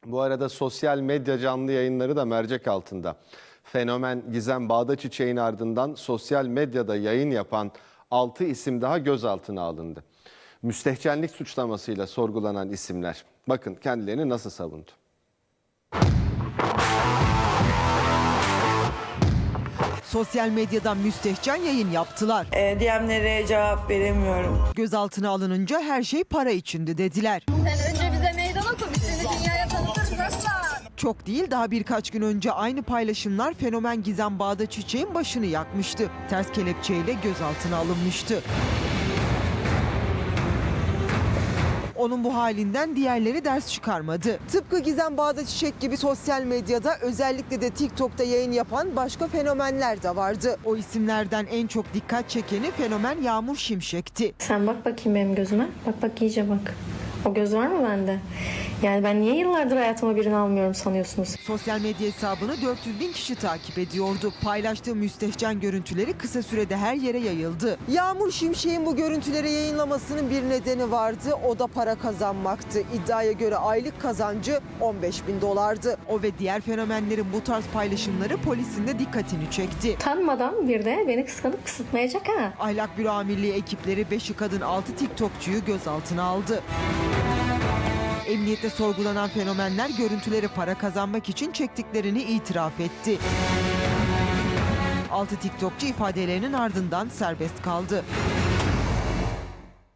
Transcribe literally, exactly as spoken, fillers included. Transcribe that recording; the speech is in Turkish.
Bu arada sosyal medya canlı yayınları da mercek altında. Fenomen Gizem Bağdaçiçek'in ardından sosyal medyada yayın yapan altı isim daha gözaltına alındı. Müstehcenlik suçlamasıyla sorgulanan isimler. Bakın kendilerini nasıl savundu. Sosyal medyadan müstehcen yayın yaptılar. E, D M'lere cevap veremiyorum. Gözaltına alınınca her şey para içindi dediler. Sen önce bize meydan oku, biz seni dünyaya tanıtırız aslan. Çok değil, daha birkaç gün önce aynı paylaşımlar fenomen Gizem Bağdaçiçek'in başını yakmıştı. Ters kelepçeyle gözaltına alınmıştı. Onun bu halinden diğerleri ders çıkarmadı. Tıpkı Gizem Bağdaçiçek gibi sosyal medyada, özellikle de TikTok'ta yayın yapan başka fenomenler de vardı. O isimlerden en çok dikkat çekeni fenomen Yağmur Şimşek'ti. Sen bak bakayım benim gözüme. Bak bak iyice bak. O göz var mı bende? Yani ben niye yıllardır hayatıma birini almıyorum sanıyorsunuz? Sosyal medya hesabını dört yüz bin kişi takip ediyordu. Paylaştığı müstehcen görüntüleri kısa sürede her yere yayıldı. Yağmur Şimşek'in bu görüntüleri yayınlamasının bir nedeni vardı. O da para kazanmaktı. İddiaya göre aylık kazancı on beş bin dolardı. O ve diğer fenomenlerin bu tarz paylaşımları polisin de dikkatini çekti. Tanımadan bir de beni kıskanıp kısıtmayacak ha. Ahlak Büro Amirliği ekipleri beşi kadın altı TikTokçuyu gözaltına aldı. Emniyette sorgulanan fenomenler görüntüleri para kazanmak için çektiklerini itiraf etti. altı TikTokçu ifadelerinin ardından serbest kaldı.